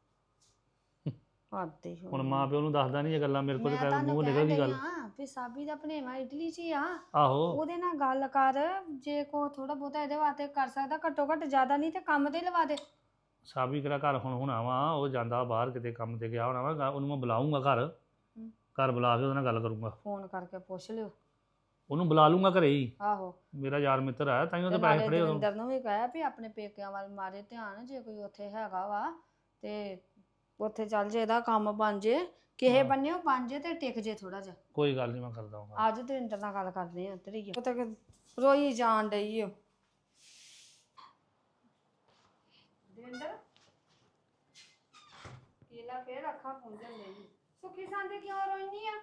S2: ਆਦੇ
S1: ਹੁਣ ਮਾਂ ਪਿਓ ਨੂੰ ਦੱਸਦਾ ਨਹੀਂ ਇਹ ਗੱਲਾਂ, ਮੇਰੇ ਕੋਲ
S2: ਮੈਂ
S1: ਤੇ
S2: ਤੁਹਾਨੂੰ
S1: ਮੂੰਹ
S2: ਕਹਿ
S1: ਨਿਕਲ ਗਈ
S2: ਰਹੀ
S1: ਗੱਲ।
S2: ਹਾਂ ਵੀ ਸਾਬੀ ਦਾ ਭਣੇਵਾ ਇਟਲੀ 'ਚ ਹੀ ਆ,
S1: ਆਹੋ
S2: ਉਹਦੇ ਨਾਲ ਗੱਲ ਕਰ, ਜੇ ਕੋ ਥੋੜਾ ਬਹੁਤਾ ਇਹਦੇ ਵਾਸਤੇ ਕਰ ਸਕਦਾ, ਘੱਟੋ ਘੱਟ ਜ਼ਿਆਦਾ ਨਹੀਂ ਤੇ ਕੰਮ ਤੇ ਲਵਾ ਦੇ।
S1: ਸਾਬੀ ਕਿਹੜਾ ਘਰ ਹੁਣ ਹੋਣਾ ਵਾ, ਉਹ ਜਾਂਦਾ ਬਾਹਰ ਕਿਤੇ ਕੰਮ ਤੇ ਗਿਆ ਹੋਣਾ ਵਾ, ਉਹਨੂੰ ਮੈਂ ਬੁਲਾਉਂਗਾ ਘਰ ਬੁਲਾ ਕੇ ਉਹਦੇ ਨਾਲ ਗੱਲ ਕਰੂੰਗਾ।
S2: ਫੋਨ ਕਰਕੇ ਪੁੱਛ ਲਿਓ,
S1: ਉਹਨੂੰ ਬੁਲਾ ਲੂੰਗਾ ਘਰੇ ਹੀ,
S2: ਆਹੋ
S1: ਮੇਰਾ ਯਾਰ ਮਿੱਤਰ ਆ, ਤਾਂ ਹੀ ਉਹਦੇ
S2: ਤੇ
S1: ਪੈਸੇ
S2: ਨਾਲੇ
S1: ਖੜੇ
S2: ਦਵਿੰਦਰ ਨੂੰ ਵੀ ਕਹਿਆ ਵੀ ਆਪਣੇ ਪੇਕਿਆਂ ਵੱਲ ਮਾਰੇ ਧਿਆਨ, ਜੇ ਕੋਈ ਉੱਥੇ ਹੈਗਾ ਵਾ ਤੇ ਉੱਥੇ ਚੱਲ ਜੇ, ਇਹਦਾ ਕੰਮ ਬਣ ਜੇ, ਕਿਸੇ ਬੰਨੇ ਉਹ ਬਣ ਜੇ ਤੇ ਟਿਕ ਜੇ ਥੋੜਾ ਜਿਹਾ।
S1: ਕੋਈ ਗੱਲ ਨਹੀਂ ਮੈਂ ਕਰਦਾ ਹਾਂ।
S2: ਅੱਜ ਦਵਿੰਦਰ ਨਾਲ ਗੱਲ ਕਰਦੇ ਆ, ਇੱਧਰ ਹੀ ਉਹ ਤੱਕ ਰੋਈ ਜਾਣ ਡਈ ਓ। ਦਵਿੰਦਰ ਕੀਲਾ ਫੇਰ ਅੱਖਾਂ ਪੁੰਝਣ ਲਈ, ਸੁੱਖੀ ਸੰਦੇ ਕਿਉਂ ਰੋਈਨੀ ਆ?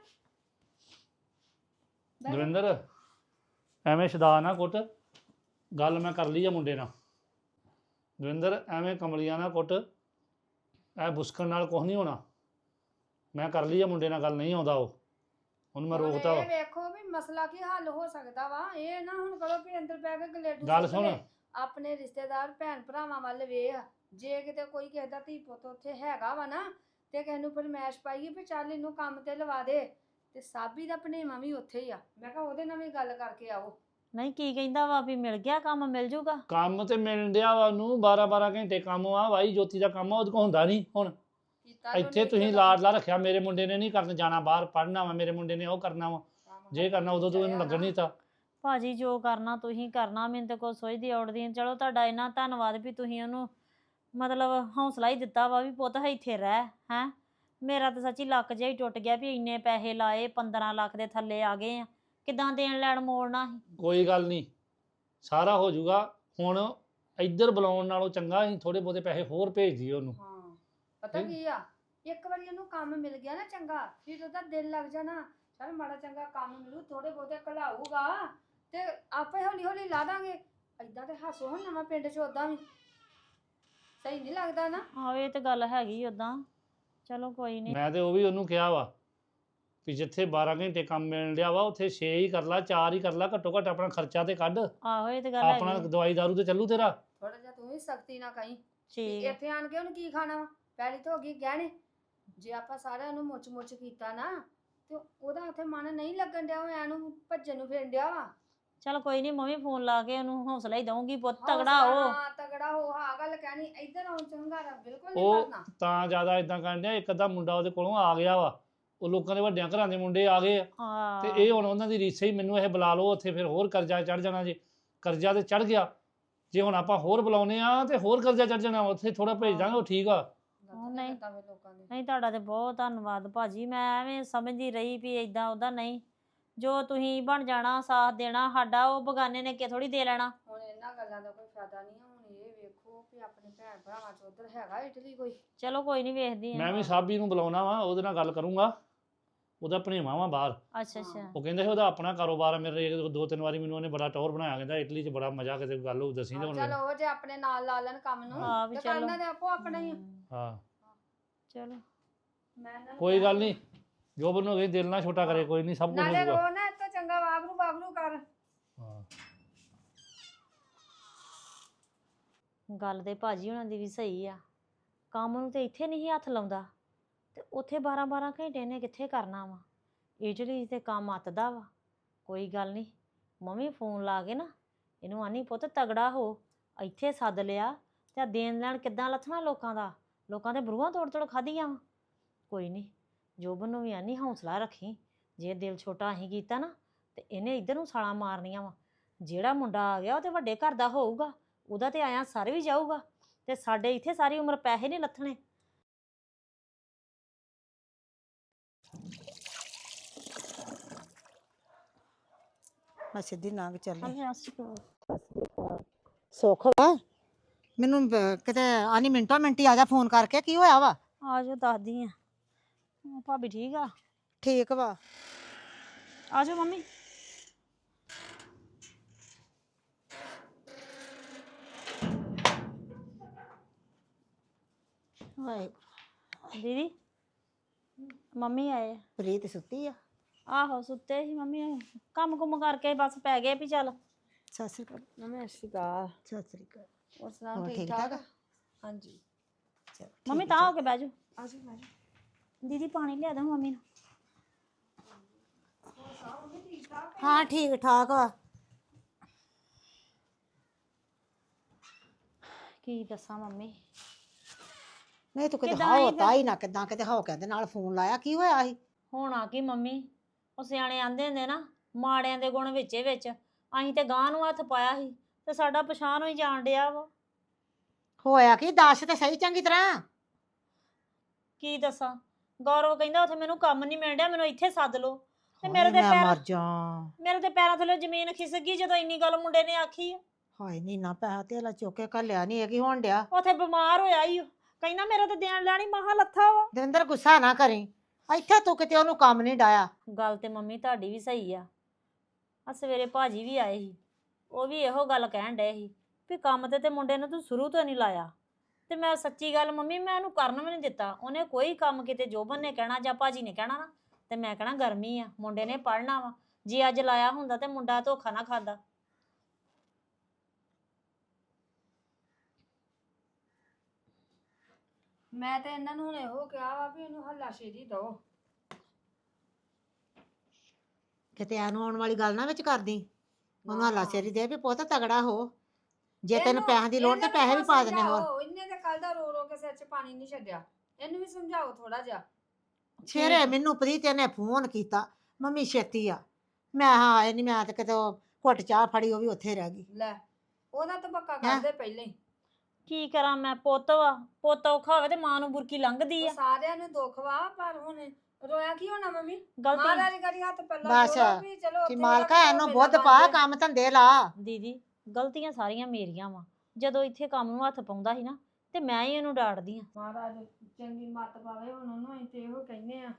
S1: ਦਵਿੰਦਰ ਐਵੇਂ ਸ਼ਦਾ ਨਾ ਕੁੱਟ, ਗੱਲ ਮੈਂ ਕਰ ਲਈ ਆ ਮੁੰਡੇ ਨਾਲ। ਦਵਿੰਦਰ ਐਵੇਂ ਕਮਲੀਆਂ ਨਾ ਕੁੱਟ, ਐ ਬੁਸਕਣ ਨਾਲ ਕੁਝ ਨਹੀਂ ਹੋਣਾ। ਮੈਂ ਕਰ ਲਈ ਆ ਮੁੰਡੇ ਨਾਲ ਗੱਲ, ਨਹੀਂ ਆਉਂਦਾ ਉਹ, ਉਹਨੂੰ ਮੈਂ ਰੋਕਤਾ ਵਾ।
S2: ਇਹ ਵੇਖੋ ਵੀ ਮਸਲਾ ਕੀ ਹੱਲ ਹੋ ਸਕਦਾ ਵਾ, ਇਹ ਨਾ ਹੁਣ ਕਰੋ ਵੀ ਅੰਦਰ ਪੈ ਕੇ ਗਲੇਡੂ
S1: ਗੱਲ
S2: ਸੁੱਟ
S1: ਸੁਣ।
S2: ਲੈ। ਆਪਣੇ ਰਿਸ਼ਤੇਦਾਰ ਭੈਣ ਭਰਾਵਾਂ ਵੱਲ ਵੇਖ, ਜੇ ਕਿਤੇ ਕੋਈ ਕਿਸੇ ਦਾ ਧੀ ਪੁੱਤ ਉੱਥੇ ਹੈਗਾ ਵਾ ਨਾ, ਤੇ ਕਿਸੇ ਨੂੰ ਫਰਮਾਇਸ਼ ਪਾਈਏ ਵੀ ਚੱਲ ਇਹਨੂੰ ਕੰਮ ਤੇ ਲਵਾ ਦੇ, ਤੇ ਸਾਬੀ ਦਾ ਭਣੇਵਾਂ ਵੀ ਉੱਥੇ ਹੀ ਆ। ਮੈਂ ਕਿਹਾ ਉਹਦੇ ਨਾਲ ਵੀ ਗੱਲ ਕਰਕੇ ਆਓ।
S3: ਨਹੀਂ ਕੀ ਕਹਿੰਦਾ ਵਾ ਵੀ ਮਿਲ ਗਿਆ ਕੰਮ, ਮਿਲ ਜੂਗਾ?
S1: ਕੰਮ ਤੇ ਮਿਲਣ ਡਿਆ ਵਾ ਉਹਨੂੰ 12 ਘੰਟੇ ਕੰਮ ਆ। ਵਾਈ ਜੋਤੀ ਦਾ ਕੰਮ ਆ, ਉਹਦੇ ਕੋਲ ਹੁੰਦਾ ਨਹੀਂ ਹੁਣ।
S2: ਕੀਤਾ ਤੇ ਉਹਨੇ
S1: ਇੱਥੇ ਤੁਸੀਂ
S2: ਇੱਥੇ
S1: ਲਾਡਲਾ ਰੱਖਿਆ, ਮੇਰੇ ਮੁੰਡੇ ਨੇ ਨਹੀਂ ਕਰਨ ਜਾਣਾ, ਬਾਹਰ ਪੜ੍ਹਨਾ ਵਾ, ਮੇਰੇ ਮੁੰਡੇ ਨੇ ਉਹ ਕਰਨਾ ਵਾ, ਜੇ ਕਰਨਾ ਉਦੋਂ ਤੂੰ ਇਹਨੂੰ ਲੱਗਣ ਨਹੀਂ ਤਾ।
S3: ਭਾਜੀ ਜੋ ਕਰਨਾ ਤੁਸੀਂ ਕਰਨਾ, ਮੈਨੂੰ ਤਾਂ ਕੋਈ ਸੋਚਦੀ ਔੜਦੀ ਨੀ। ਚਲੋ ਤੁਹਾਡਾ ਇੰਨਾ ਧੰਨਵਾਦ ਵੀ ਤੁਸੀਂ ਉਹਨੂੰ ਮਤਲਬ ਹੌਸਲਾ ਹੀ ਦਿੱਤਾ ਵਾ ਵੀ ਪੁੱਤ ਇੱਥੇ ਰਹਿ। ਹੈ ਮੇਰਾ ਤਾਂ ਸੱਚੀ ਲੱਕ ਜਿਹਾ ਹੀ ਟੁੱਟ ਗਿਆ ਵੀ ਇੰਨੇ ਪੈਸੇ ਲਾਏ, 15 ਲੱਖ ਦੇ ਥੱਲੇ ਆ ਗਏ ਆ, ਕਿੱਦਾਂ ਦੇਣ ਲੈਣ ਮੋੜਨਾ ਸੀ।
S1: ਕੋਈ ਗੱਲ ਨਹੀਂ, ਸਾਰਾ ਹੋ ਜਾਊਗਾ। ਹੁਣ ਇੱਧਰ ਬੁਲਾਉਣ ਨਾਲੋਂ ਚੰਗਾ ਅਸੀਂ ਥੋੜੇ ਬਹੁਤੇ ਪੈਸੇ ਹੋਰ ਭੇਜ ਦਈਏ ਉਹਨੂੰ।
S2: ਹਾਂ ਪਤਾ ਕੀ ਆ, ਇੱਕ ਵਾਰੀ ਉਹਨੂੰ ਕੰਮ ਮਿਲ ਗਿਆ ਨਾ ਚੰਗਾ, ਫਿਰ ਉਹਦਾ ਦਿਲ ਲੱਗ ਜਾਣਾ, ਚਲ ਮਾੜਾ ਚੰਗਾ ਕੰਮ ਮਿਲੂ, ਥੋੜੇ ਬਹੁਤੇ ਘਲਾਊਗਾ ਤੇ ਆਪੇ ਹੌਲੀ ਹੌਲੀ ਲਾ ਦਾਂਗੇ। ਏਦਾਂ ਤੇ ਹਾਸੋ ਹੁਣ ਨਵਾਂ ਪਿੰਡ 'ਚ ਉਦਾਂ ਵੀ ਸਹੀ ਨਹੀਂ ਲੱਗਦਾ ਨਾ।
S3: ਆਹੋ ਇਹ ਤੇ ਗੱਲ ਹੈਗੀ ਉਦਾਂ। ਚਲੋ ਕੋਈ ਨਹੀਂ।
S1: ਮੈਂ ਤੇ ਉਹ ਵੀ ਉਹਨੂੰ ਕਿਹਾ ਵਾ ਵੀ ਜਿੱਥੇ 12 ਘੰਟੇ ਕੰਮ ਮਿਲਣ ਡਿਆ ਵਾ ਉੱਥੇ 6 ਹੀ ਕਰ ਲਾ, 4 ਹੀ ਕਰ ਲਾ, ਘੱਟੋ ਘੱਟ ਆਪਣਾ ਖਰਚਾ ਤੇ ਕੱਢ,
S3: ਆਹੋ ਇਹ ਤੇ ਗੱਲ
S1: ਆਪਣਾ
S3: ਹੈਗੀ।
S1: ਦਵਾਈ ਦਾਰੂ ਤੇ ਚੱਲੂ ਤੇਰਾ।
S2: ਥੋੜਾ ਜਿਹਾ ਤੂੰ ਵੀ ਸਖਤੀ ਨਾ ਕਹੀਂ।
S3: ਠੀਕ
S2: ਇੱਥੇ ਆਣ ਕੇ ਉਹਨੂੰ ਕੀ ਖਾਣਾ ਵਾ, ਪਹਿਲੀ ਤਾਂ ਹੋ ਗਈ ਗਹਿਣੇ। ਜੇ ਆਪਾਂ ਸਾਰਿਆਂ ਨੂੰ ਮੁੱਚ ਮੁੱਚ ਕੀਤਾ ਨਾ ਤੇ ਉਹਦਾ ਉੱਥੇ ਮਨ ਨਹੀਂ ਲੱਗਣ ਡਿਆ, ਉਹ ਐਨੂੰ ਭੱਜਣ ਨੂੰ ਫਿਰਨ ਡਿਆ ਵਾ।
S3: ਚਲ ਕੋਈ ਨਹੀਂ, ਮੈਂ ਵੀ ਫੋਨ ਲਾ ਕੇ ਉਹਨੂੰ ਹੌਸਲਾ ਹੀ ਦਊਂਗੀ, ਪੁੱਤ ਤਗੜਾ
S2: ਹੌਸਲਾ,
S3: ਹੋ।
S2: ਹਾਂ ਤਗੜਾ ਹੋ, ਹਾਂ ਗੱਲ ਕਹਿਣੀ। ਇੱਧਰ ਆਉਣ ਚੰਗਾਰਾ ਬਿਲਕੁਲ ਨਹੀਂ
S1: ਉਹ
S2: ਕਰਨਾ।
S1: ਤਾਂ ਜ਼ਿਆਦਾ ਇਦਾਂ ਕਰਨ ਡਿਆ, ਇੱਕ ਅੱਧਾ ਮੁੰਡਾ ਉਹਦੇ ਕੋਲੋਂ ਆ ਗਿਆ ਵਾ, ਉਹ ਲੋਕਾਂ ਦੇ ਵੱਡਿਆਂ ਘਰਾਂ ਦੇ ਮੁੰਡੇ ਆ ਗਏ ਆ, ਤੇ
S3: ਹਾਂ
S1: ਇਹ ਹੁਣ ਉਹਨਾਂ ਦੀ ਰੀਸੇ ਹੀ ਮੈਨੂੰ ਇਹ ਬੁਲਾ ਲਓ ਉੱਥੇ, ਫਿਰ ਹੋਰ ਕਰਜ਼ਾ ਚੜ ਜਾਣਾ। ਜੇ ਕਰਜ਼ਾ ਤੇ ਚੜ ਗਿਆ, ਜੇ ਹੁਣ ਆਪਾਂ ਹੋਰ ਬੁਲਾਉਨੇ ਆ ਤੇ ਹੋਰ ਕਰਜ਼ਾ ਚੜ ਜਾਣਾ, ਉੱਥੇ ਥੋੜਾ ਭੇਜ ਦਾਂਗੇ, ਉਹ ਠੀਕ ਆ।
S3: ਨਹੀਂ।
S2: ਲੋਕਾਂ ਦੇ
S3: ਨਹੀਂ ਤੁਹਾਡਾ ਤੇ ਬਹੁਤ ਧੰਨਵਾਦ ਭਾਜੀ। ਮੈਂ ਐਵੇਂ ਸਮਝਦੀ ਰਹੀ ਵੀ ਇਦਾਂ ਉਹਦਾ, ਨਹੀਂ ਜੋ ਤੁਸੀਂ ਬਣ ਜਾਣਾ, ਸਾਥ ਦੇਣਾ ਸਾਡਾ, ਉਹ ਬਗਾਨੇ ਨੇ ਕਿ ਥੋੜੀ ਦੇ ਲੈਣਾ।
S2: ਹੁਣ ਇਹਨਾਂ ਗੱਲਾਂ ਦਾ ਕੋਈ ਫਾਇਦਾ ਨਹੀਂ। ਹੁਣ ਇਹ ਵੇਖੋ ਵੀ ਆਪਣੇ ਭੈਣ ਭਰਾਵਾਂ ਚ ਉਧਰ ਹੈਗਾ ਇਟਲੀ ਕੋਈ।
S3: ਚਲੋ ਕੋਈ ਨਹੀਂ, ਵੇਖਦੀ ਆ।
S1: ਮੈਂ ਵੀ ਸਾਬੀ ਨੂੰ ਬੁਲਾਉਣਾ ਵਾ, ਉਹਦੇ ਨਾਲ ਗੱਲ ਕਰੂੰਗਾ, ਉਹਦਾ ਭਣੇਵਾਂ ਵਾ ਬਾਹਰ।
S3: ਅੱਛਾ ਅੱਛਾ।
S1: ਉਹ ਕਹਿੰਦੇ ਸੀ ਉਹਦਾ ਆਪਣਾ ਕਾਰੋਬਾਰ ਆ। ਮੇਰੇ 2-3 ਵਾਰੀ ਮੈਨੂੰ ਉਹਨੇ ਬੜਾ ਟੌਰ ਬਣਾਇਆ, ਕਹਿੰਦਾ ਇਟਲੀ 'ਚ ਬੜਾ ਮਜ਼ਾ, ਕਿਤੇ ਗੱਲ ਹੋ ਦੱਸੀ ਤੇ ਹੁਣ।
S2: ਚਲੋ ਉਹ ਜੇ ਆਪਣੇ ਨਾਲ ਲਾ ਲੈਣ ਕੰਮ ਨੂੰ
S3: ਹਾਂ ਵੀ
S2: ਤੇ
S3: ਚਲੋ।
S2: ਕਰਨਾ ਤੇ ਆਪੋ ਆਪਣਾ ਹੀ ਆ।
S1: ਹਾਂ
S3: ਚਲੋ
S2: ਮੈਂ ਇਹਨਾਂ ਨੂੰ
S1: ਕੋਈ ਗੱਲ ਨਹੀਂ, ਜੋ ਬਣੋ ਗਈ ਦਿਲ ਨਾ ਛੋਟਾ ਕਰੇ, ਕੋਈ ਨਹੀਂ, ਸਭ ਕੁਝ
S2: ਨਾਲੇ
S1: ਹੋ ਜਾਊਗਾ।
S2: ਰੋ ਨਾ, ਇੱਥੇ ਚੰਗਾ ਵਾਗਰੂ ਵਾਗਰੂ ਕਰ।
S1: ਹਾਂ
S3: ਗੱਲ ਤੇ ਭਾਜੀ ਉਹਨਾਂ ਦੀ ਵੀ ਸਹੀ ਆ। ਕੰਮ ਨੂੰ ਤੇ ਇੱਥੇ ਨਹੀਂ ਹੱਥ ਲਾਉਂਦਾ ਤੇ ਉੱਥੇ 12 ਘੰਟੇ ਨੇ ਕਿੱਥੇ ਕਰਨਾ ਵਾ। ਇਟਲੀ ਤੇ ਕੰਮ ਅੱਤਦਾ ਵਾ। ਕੋਈ ਗੱਲ ਨਹੀਂ, ਮੰਮੀ ਫੋਨ ਲਾ ਕੇ ਨਾ ਇਹਨੂੰ ਆਨੀ ਪੁੱਤ ਤਗੜਾ ਹੋ, ਇੱਥੇ ਸੱਦ ਲਿਆ ਤੇ ਦੇਣ ਲੈਣ ਕਿੱਦਾਂ ਲੱਥਣਾ ਲੋਕਾਂ ਦਾ। ਲੋਕਾਂ ਦੇ ਬਰੂਹਾਂ ਤੋੜ ਤੋੜ ਖਾਧੀਆਂ ਵਾ। ਕੋਈ ਨਹੀਂ, ਜੋਬਨ ਨੂੰ ਵੀ ਆਨੀ ਹੌਸਲਾ ਰੱਖੀ। ਜੇ ਦਿਲ ਛੋਟਾ ਅਸੀਂ ਕੀਤਾ ਨਾ ਤੇ ਇਹਨੇ ਇੱਧਰ ਨੂੰ ਛਾਲਾਂ ਮਾਰਨੀਆਂ ਵਾ। ਜਿਹੜਾ ਮੁੰਡਾ ਆ ਗਿਆ ਉਹ ਤੇ ਵੱਡੇ ਘਰ ਦਾ ਹੋਊਗਾ, ਉਹਦਾ ਤੇ ਆਇਆ ਸਰ ਵੀ ਜਾਊਗਾ, ਤੇ ਸਾਡੇ ਇੱਥੇ ਸਾਰੀ ਉਮਰ ਪੈਸੇ ਨਹੀਂ ਲੱਥਣੇ।
S5: ਮੈਂ ਸਿੱਧੀ ਲੰਘ ਚੱਲੀ।
S3: ਸੁੱਖ
S5: ਵਾ ਮੈਨੂੰ ਕਿਤੇ ਆਨੀ ਮਿੰਟੋ ਮਿੰਟੀ ਆ ਜਾ ਫੋਨ ਕਰਕੇ, ਕੀ ਹੋਇਆ ਵਾ?
S3: ਆ ਜਾਓ, ਦੱਸਦੀ ਆ। ਭਾਬੀ ਠੀਕ ਆ?
S5: ਠੀਕ ਵਾ।
S3: ਆ ਜਾਓ ਮੰਮੀ।
S5: ਹਾਏ
S3: ਦੀਦੀ ਮੰਮੀ ਆਏ ਆ।
S5: ਪ੍ਰੀਤ ਸੁੱਤੀ ਆ?
S3: ਆਹੋ ਸੁੱਤੇ ਸੀ ਮੰਮੀ, ਕੰਮ ਕੁੰਮ ਕਰਕੇ ਬਸ ਪੈ ਗਏ ਵੀ ਚੱਲ।
S5: ਸਤਿ ਸ੍ਰੀ ਅਕਾਲ।
S2: ਨਮਸਤੇ ਸ਼ਿਕਾਰ।
S5: ਸਤਿ ਸ੍ਰੀ ਅਕਾਲ।
S2: ਹੋਰ ਸੁਣਾਓ,
S5: ਹੋਰ
S2: ਠੀਕ
S5: ਠੀਕ
S2: ਠਾਕ?
S5: ਠਾਕ?
S2: ਹਾਂਜੀ।
S5: ਚਲੋ
S3: ਮੰਮੀ
S5: ਠੀਕ
S3: ਤਾਂ
S5: ਆ,
S3: ਹੋ ਕੇ ਬਹਿ ਜਾਓ।
S2: ਆਜੋ ਮੈਂ
S3: ਦੀਦੀ ਪਾਣੀ ਲਿਆ ਦੋ ਮੰਮੀ ਨੂੰ।
S5: ਹਾਂ ਠੀਕ ਠਾਕ ਵਾ।
S3: ਕੀ ਦੱਸਾਂ ਮੰਮੀ,
S5: ਨਹੀਂ ਤੂੰ ਕਿਤੇ
S3: ਕਿੱਦਾਂ
S5: ਹੋ
S3: ਆਈ ਫਿਰ?
S5: ਤਾਈ ਨਾ ਕਿਦਾਂ ਕਿਤੇ ਹੋ ਕਹਿੰਦੇ ਨਾਲ ਫੋਨ ਲਾਇਆ, ਕੀ ਹੋਇਆ ਸੀ?
S3: ਹੋਣਾ ਕੀ ਮੰਮੀ, ਉਹ ਸਿਆਣੇ ਆਂਦੇ ਹੁੰਦੇ ਨਾ, ਮਾੜਿਆਂ ਦੇ ਗੁਣ ਵਿੱਚੇ ਵਿੱਚ। ਅਸੀਂ ਤੇ ਗਾਂ ਨੂੰ ਹੱਥ ਪਾਇਆ ਸੀ ਤੇ ਸਾਡਾ ਪਛਾਣ ਹੋਈ ਜਾਣ ਡਿਆ ਵਾ।
S5: ਹੋਇਆ ਕੀ ਦੱਸ ਤੇ ਸਹੀ ਚੰਗੀ ਤਰ੍ਹਾਂ।
S3: ਕੀ ਦੱਸਾਂ, ਗੌਰਵ ਕਹਿੰਦਾ ਉੱਥੇ ਮੈਨੂੰ ਕੰਮ ਨਹੀਂ ਮਿਲ ਰਿਹਾ, ਮੈਨੂੰ ਇੱਥੇ ਸੱਦ ਲਓ। ਤੇ
S5: ਹਾਏ
S3: ਮੇਰੇ ਤੇ
S5: ਮੈਂ ਮਰ ਜਾ।
S3: ਮੇਰੇ ਤੇ ਪੈਰਾਂ ਥੱਲੇ ਜ਼ਮੀਨ ਖਿਸਕ ਗਈ ਜਦੋਂ ਇੰਨੀ ਗੱਲ ਮੁੰਡੇ ਨੇ ਆਖੀ ਆ।
S5: ਹਾਏ ਨੀ ਨਾ ਪੈਸਾ ਧੇਲਾ ਚੁੱਕ ਕੇ ਘੱਲਿਆ ਨਹੀਂ, ਇਹ ਕੀ ਹੋਣ ਡਿਆ?
S3: ਉੱਥੇ ਬਿਮਾਰ ਹੋਇਆ ਈ ਓ। ਕਹਿੰਦਾ ਮੇਰਾ ਤੇ ਦੇਣ ਲੈਣੀ ਮਹਾ ਲੱਥਾ ਵਾ।
S5: ਦਵਿੰਦਰ ਗੁੱਸਾ ਨਾ ਕਰੀ, ਇੱਥੇ ਤੂੰ ਕਿਤੇ ਉਹਨੂੰ ਕੰਮ ਨਹੀਂ ਡਾਇਆ।
S3: ਗੱਲ ਤੇ ਮੰਮੀ ਤੁਹਾਡੀ ਵੀ ਸਹੀ ਆ। ਆ ਸਵੇਰੇ ਭਾਜੀ ਵੀ ਆਏ ਸੀ, ਉਹ ਵੀ ਇਹੋ ਗੱਲ ਕਹਿਣ ਡਏ ਸੀ ਵੀ ਕੰਮ ਤੇ ਮੁੰਡੇ ਨੂੰ ਤੂੰ ਸ਼ੁਰੂ ਤੋਂ ਨਹੀਂ ਲਾਇਆ। ਤੇ ਮੈਂ ਸੱਚੀ ਗੱਲ ਮੰਮੀ, ਮੈਂ ਉਹਨੂੰ ਕਰਨ ਵੀ ਨਹੀਂ ਦਿੱਤਾ। ਉਹਨੇ ਕੋਈ ਕੰਮ ਕਿਤੇ ਜੋਬਨ ਨੇ ਕਹਿਣਾ ਜਾਂ ਭਾਜੀ ਨੇ ਕਹਿਣਾ ਨਾ, ਤੇ ਮੈਂ ਕਹਿਣਾ ਗਰਮੀ ਆ, ਮੁੰਡੇ ਨੇ ਪੜ੍ਹਨਾ ਵਾ। ਜੇ ਅੱਜ ਲਾਇਆ ਹੁੰਦਾ ਤੇ ਮੁੰਡਾ ਧੋਖਾ ਨਾ ਖਾਂਦਾ।
S2: ਮੈਂ ਤੇ ਇਹਨਾਂ ਨੂੰ ਹੁਣ ਇਹੋ ਕਿਹਾ ਵਾ ਵੀ ਇਹਨੂੰ ਹੱਲਾਸ਼ੇਰੀ ਦਿਓ।
S5: ਕਿਤੇ ਇਹਨੂੰ ਆਉਣ ਵਾਲੀ ਗੱਲ ਨਾ ਵਿੱਚ ਕਰਦੀ, ਉਹਨੂੰ ਹੱਲਾ
S2: ਨਾ।
S5: ਸ਼ੇਰੀ ਦੇ ਵੀ ਪੁੱਤ ਤਗੜਾ ਹੋ, ਜੇ ਤੈਨੂੰ
S2: ਇਹਨੂੰ-
S5: ਪੈਸਿਆਂ ਦੀ ਲੋੜ ਤੇ
S2: ਇਹਨੂੰ
S5: ਪੈਸੇ ਵੀ ਪਾ ਦੇਣੇ ਹੋਰ।
S2: ਸਮਝਾਓ, ਇਹਨੇ ਤੇ ਕੱਲ ਦਾ ਰੋ ਰੋ ਕੇ ਸਿਰ 'ਚ ਪਾਣੀ ਨਹੀਂ ਛੱਡਿਆ, ਇਹਨੂੰ ਵੀ ਸਮਝਾਓ ਥੋੜਾ ਜਿਹਾ।
S5: ਸਵੇਰੇ ਮੈਨੂੰ ਪ੍ਰੀਤ ਨੇ ਫੋਨ ਕੀਤਾ, ਮੰਮੀ ਛੇਤੀ ਆ। ਮੈਂ ਹਾਂ ਆਏ ਨਹੀਂ, ਮੈਂ ਤੇ ਕਿਤੇ ਉਹ ਘੁੱਟ ਚਾਹ ਫੜੀ ਉਹ ਵੀ ਉੱਥੇ ਰਹਿ ਗਈ।
S2: ਲੈ ਉਹਦਾ ਤਾਂ ਪੱਕਾ
S5: ਹੈਂ?
S2: ਕਰਦੇ ਪਹਿਲਾਂ ਹੀ।
S3: ਕੀ ਕਰਾਂ ਮੈਂ, ਪੁੱਤ ਵਾ, ਪੁੱਤ ਔਖਾ ਹੋਵੇ ਤੇ ਮਾਂ ਨੂੰ ਬੁਰਕੀ ਲੰਘਦੀ
S2: ਉਹ
S3: ਆ।
S2: ਸਾਰਿਆਂ ਨੂੰ ਦੁੱਖ ਵਾ, ਪਰ ਹੁਣ ਰੋਇਆ ਕੀ ਹੋਣਾ ਮੰਮੀ?
S3: ਗਲਤੀ
S2: ਮਹਾਰਾਜ ਕਰੀ ਹੱਥ ਪੱਲਾ
S5: ਬਸ,
S2: ਜੋੜੋ ਵੀ ਚਲੋ
S5: ਕਿ
S2: ਉੱਥੇ
S5: ਮਾਲਕਾ
S2: ਜਾ ਕੇ
S5: ਇਹਨੂੰ
S2: ਮੇਲਾ
S5: ਬੁੱਧ
S2: ਬਣ
S5: ਪਾ,
S2: ਜਾਏ।
S5: ਕੰਮ ਧੰਦੇ ਲਾ।
S3: ਦੀਦੀ ਗਲਤੀਆਂ ਸਾਰੀਆਂ ਮੇਰੀਆਂ ਵਾ, ਜਦੋਂ ਇੱਥੇ ਕੰਮ ਨੂੰ ਹੱਥ ਪਾਉਂਦਾ ਸੀ ਨਾ ਤੇ ਮੈਂ ਹੀ ਇਹਨੂੰ ਡਾਂਟਦੀ ਆ।
S2: ਮਹਾਰਾਜ ਚੰਗੀ ਮੱਤ ਪਾਵੇ ਹੁਣ ਉਹਨੂੰ, ਅਸੀਂ ਤੇ ਇਹੋ ਕਹਿੰਦੇ ਆ।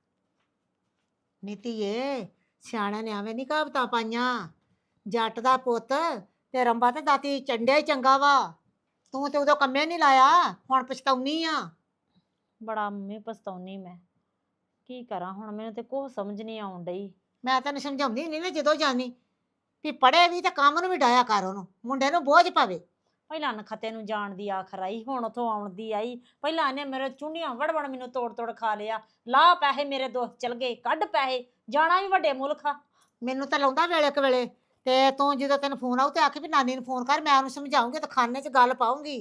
S5: ਨੀਤੀਏ ਸਿਆਣਿਆਂ ਨੇ ਐਵੇਂ ਨਹੀਂ ਕਹਾਵਤਾਂ ਪਾਈਆਂ, ਜੱਟ ਦਾ ਪੁੱਤ ਤੇ ਰੰਬਾ ਤੇ ਦਾਤੀ ਚੰਡਿਆ ਹੀ ਚੰਗਾ ਵਾ। ਤੂੰ ਤੇ ਉਦੋਂ ਕੰਮੇ ਨਹੀਂ ਲਾਇਆ, ਹੁਣ ਪਛਤਾਉਣੀ ਆ।
S3: ਬੜਾ ਮੰਮੀ ਪਛਤਾਉਣੀ ਮੈਂ, ਕੀ ਕਰਾਂ ਹੁਣ, ਮੈਨੂੰ ਤੇ ਕੁਛ ਸਮਝ ਨਹੀਂ ਆਉਣ ਡਈ।
S5: ਮੈਂ ਤੈਨੂੰ ਸਮਝਾਉਂਦੀ ਨਹੀਂ ਨਾ ਜਦੋਂ ਜਾਨੀ ਵੀ ਪੜੇ ਵੀ ਤੇ ਕੰਮ ਨੂੰ ਵੀ ਡਾਇਆ ਕਰ, ਉਹਨੂੰ ਮੁੰਡੇ ਨੂੰ ਬੋਝ ਪਵੇ।
S3: ਪਹਿਲਾਂ ਨਖਤੇ ਨੂੰ ਜਾਣ ਦੀ ਆਖਰ ਆਈ, ਹੁਣ ਉਥੋਂ ਆਉਣ ਦੀ ਆਈ। ਪਹਿਲਾਂ ਇਹਨੇ ਮੇਰੇ ਚੁੰਡੀਆਂ ਵੜ ਮੈਨੂੰ ਤੋੜ ਖਾ ਲਿਆ। ਲਾ ਪੈਸੇ ਮੇਰੇ ਦੋਸਤ ਚਲ ਗਏ, ਕੱਢ ਪੈਸੇ, ਜਾਣਾ ਵੀ ਵੱਡੇ ਮੁਲਕ ਆ।
S5: ਮੈਨੂੰ ਤਾਂ ਲਾਉਂਦਾ ਵੇਲੇ ਕੁ ਵੇਲੇ, ਤੇ ਤੂੰ ਜਦੋਂ ਤੈਨੂੰ ਫੋਨ ਆਉ ਤੇ ਆਖੀ ਵੀ ਨਾਨੀ ਨੂੰ ਫੋਨ ਕਰ, ਮੈਂ ਉਹਨੂੰ ਸਮਝਾਉਂਗੀ ਤੇ ਖਾਨੇ 'ਚ ਗੱਲ ਪਾਉਂਗੀ।